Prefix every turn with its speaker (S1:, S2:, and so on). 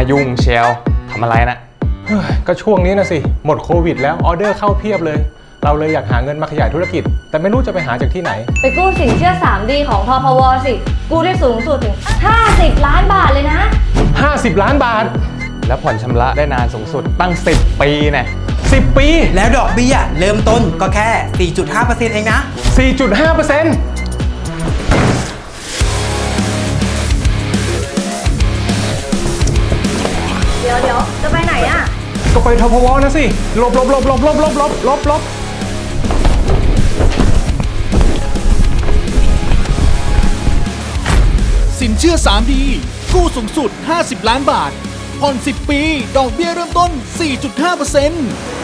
S1: ยุ่งเชียวทำอะไรนะ
S2: ก็ช่วงนี้นะสิหมดโควิดแล้วออเดอร์เข้าเพียบเลยเราเลยอยากหาเงินมาขยายธุรกิจแต่ไม่รู้จะไปหาจากที่ไหน
S3: ไปกู้สินเชื่อ 3D ของทพวสิกู้ได้สูงสุดถึง50 ล้านบาทเลยนะ
S2: 50 ล้านบาท
S1: แล้วผ่อนชำระได้นานสูงสุดตั้ง10 ปีเนี่ย
S2: 10 ปี
S4: แล้วดอกเบี้ยเริ่มต้นก็แค่ 4.5% เองนะ
S2: 4.5%
S3: เดี๋ยวจะไปไหนอะ
S2: ก็ไปทพวนะสิลบ
S5: สินเชื่อ 3D กู้สูงสุด50 ล้านบาทผ่อน10 ปีดอกเบี้ยเริ่มต้น 4.5%